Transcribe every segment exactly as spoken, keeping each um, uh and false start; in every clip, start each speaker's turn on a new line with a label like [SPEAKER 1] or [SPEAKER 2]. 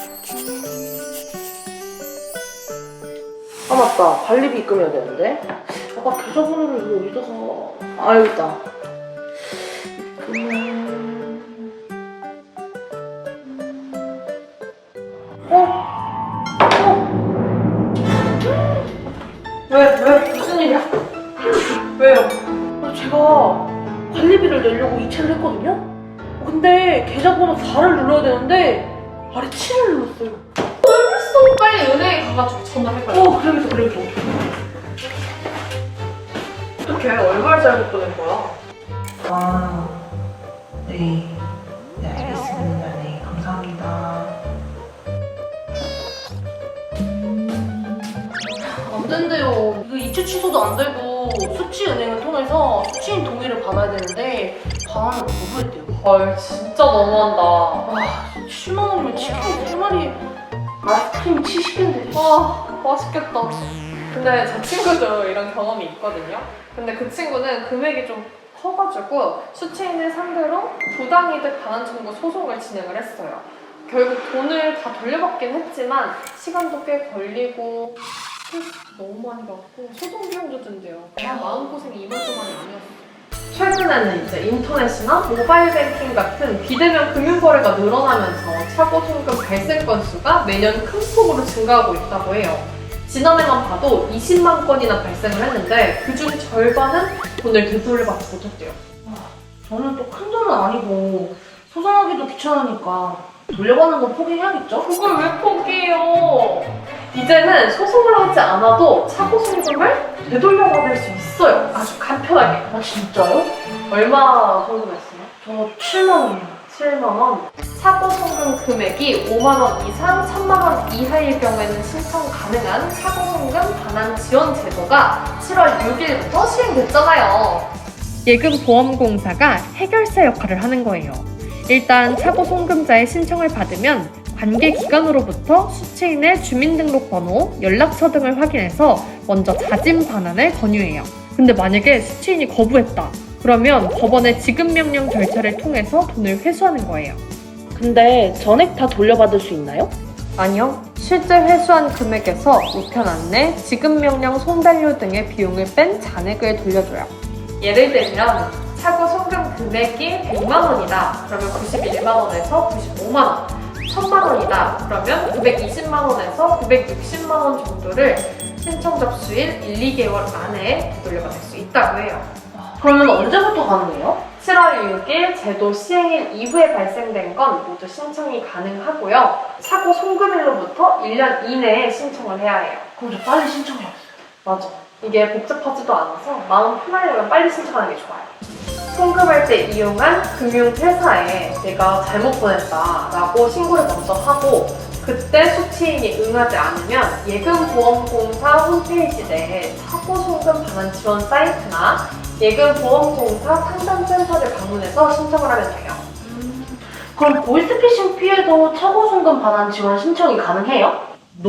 [SPEAKER 1] 아 맞다, 관리비 입금해야 되는데. 아까 계좌번호를 이거 어디다가. 아 여기 있다. 입금은... 어? 어? 왜? 왜? 무슨 일이야? 왜요? 아, 제가 관리비를 내려고 이체를 했거든요? 근데 계좌번호 사를 눌러야 되는데 아래 칠을 눌렀어요.
[SPEAKER 2] 헐, 빨리 은행에 가가지고 전화해봐요.
[SPEAKER 1] 어, 그래서 그래서.
[SPEAKER 2] 어떡해, 얼마를 잘못 보낸 거야?
[SPEAKER 1] 아, 네. 네, 알겠습니다. 네, 감사합니다. 안 된대요. 이거 이체 취소도 안 되고 수취은행을 통해서 수취인 동의를 받아야 되는데 반환을 거부했대요.
[SPEAKER 2] 헐, 진짜 너무한다.
[SPEAKER 1] 와, 칠만 원이면 치킨 세 마리, 아이스크림 칠십 개인데.
[SPEAKER 2] 와, 맛있겠다. 근데 제 친구도 이런 경험이 있거든요. 근데 그 친구는 금액이 좀 커가지고 수취인을 상대로 부당이득 반환 청구 소송을 진행을 했어요. 결국 돈을 다 돌려받긴 했지만 시간도 꽤 걸리고 스트레스도 너무 많이 받고 소송 비용도 든대요. 아, 마음고생이 이만저만이 아니었어요. 최근에는 이제 인터넷이나 모바일 뱅킹 같은 비대면 금융거래가 늘어나면서 차고 송금 발생 건수가 매년 큰 폭으로 증가하고 있다고 해요. 지난해만 봐도 이십만 건이나 발생을 했는데 그중 절반은 돈을 되돌려받지 못했대요.
[SPEAKER 1] 저는 또 큰 돈은 아니고 소송하기도 귀찮으니까 돌려받는 거 포기해야겠죠?
[SPEAKER 2] 그걸 왜 포기해요? 이제는 소송을 하지 않아도 차고 송금을 되돌려받을 수 있어요. 아주 간편하게.
[SPEAKER 1] 아 진짜요?
[SPEAKER 2] 얼마 송금했어요?
[SPEAKER 1] 저 칠만 원이요.
[SPEAKER 2] 칠만 원. 차고 송금 금액이 오만 원 이상 천만 원 이하일 경우에는 신청 가능한 차고 송금 반환 지원 제도가 칠월 육일부터 시행됐잖아요.
[SPEAKER 3] 예금보험공사가 해결사 역할을 하는 거예요. 일단 차고 송금자의 신청을 받으면 관계기관으로부터 수취인의 주민등록번호, 연락처 등을 확인해서 먼저 자진 반환을 권유해요. 근데 만약에 수취인이 거부했다. 그러면 법원의 지급명령 절차를 통해서 돈을 회수하는 거예요.
[SPEAKER 1] 근데 전액 다 돌려받을 수 있나요?
[SPEAKER 3] 아니요. 실제 회수한 금액에서 우편 안내, 지급명령 송달료 등의 비용을 뺀 잔액을 돌려줘요.
[SPEAKER 2] 예를 들면 차고 송금 금액이 백만 원이다. 그러면 구십일만 원에서 구십오만 원. 천만 원이다. 그러면 구백이십만 원에서 구백육십만 원 정도를 신청 접수일 일, 이 개월 안에 되돌려받을 수 있다고 해요.
[SPEAKER 1] 그러면 언제부터 가능해요?
[SPEAKER 2] 칠월 육일 제도 시행일 이후에 발생된 건 모두 신청이 가능하고요. 차고 송금일로부터 일 년 이내에 신청을 해야 해요.
[SPEAKER 1] 그럼 저 빨리 신청해야겠어요.
[SPEAKER 2] 맞아. 이게 복잡하지도 않아서 마음 편하려면 빨리 신청하는 게 좋아요. 송금할 때 이용한 금융회사에 내가 잘못 보냈다라고 신고를 먼저 하고 그때 수취인이 응하지 않으면 예금보험공사 홈페이지 내에 차고 송금 반환 지원 사이트나 예금보험공사 상담센터를 방문해서 신청을 하면 돼요.
[SPEAKER 1] 음, 그럼 보이스피싱 피해도 차고 송금 반환 지원 신청이 가능해요?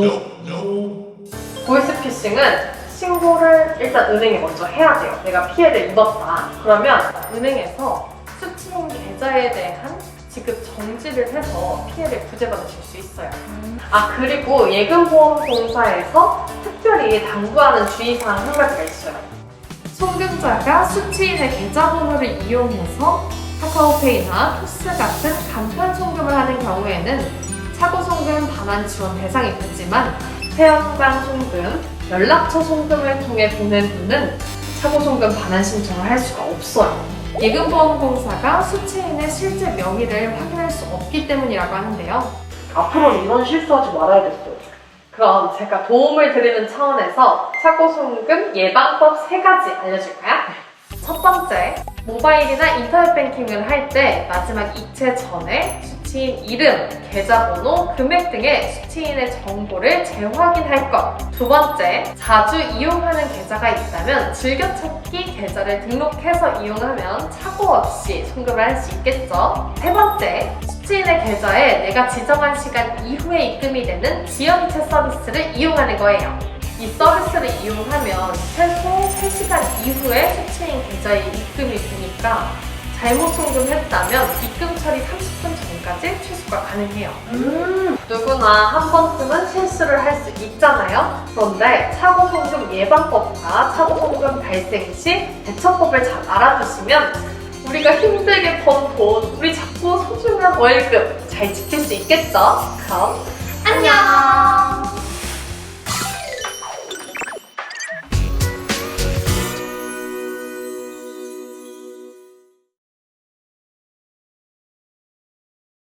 [SPEAKER 2] 보이스피싱은 신고를 일단 은행에 먼저 해야 돼요. 내가 피해를 입었다. 그러면 은행에서 수취인 계좌에 대한 지급 정지를 해서 피해를 구제받으실 수 있어요. 아 그리고 예금보험공사에서 특별히 당부하는 주의사항 한 가지가 있어요. 송금자가 수취인의 계좌번호를 이용해서 카카오페이나 토스 같은 간편 송금을 하는 경우에는 차고 송금 반환 지원 대상이 되지만 회원당 송금, 연락처 송금을 통해 보낸 돈은 차고 송금 반환 신청을 할 수가 없어요. 예금보험공사가 수취인의 실제 명의를 확인할 수 없기 때문이라고 하는데요.
[SPEAKER 1] 앞으로는 이런 실수하지 말아야겠어요.
[SPEAKER 2] 그럼 제가 도움을 드리는 차원에서 차고 송금 예방법 세 가지 알려줄까요? 첫 번째, 모바일이나 인터넷 뱅킹을 할 때 마지막 이체 전에 수취인 이름, 계좌번호, 금액 등의 수취인의 정보를 재확인할 것. 두 번째, 자주 이용하는 계좌가 있다면 즐겨찾기 계좌를 등록해서 이용하면 착오 없이 송금을 할 수 있겠죠. 세 번째, 수취인의 계좌에 내가 지정한 시간 이후에 입금이 되는 지연이체 서비스를 이용하는 거예요. 이 서비스를 이용하면 최소 세 시간 이후에 수취인 계좌에 입금이 되니까 잘못 송금했다면 입금 처리 삼십 분 전까지 최소 추가 가능해요.
[SPEAKER 1] 음.
[SPEAKER 2] 누구나 한 번쯤은 실수를 할 수 있잖아요. 그런데 차고송금 예방법과 차고송금 발생 시 대처법을 잘 알아두시면 우리가 힘들게 번 돈, 우리 작고 소중한 월급 잘 지킬 수 있겠죠? 그럼
[SPEAKER 1] 안녕.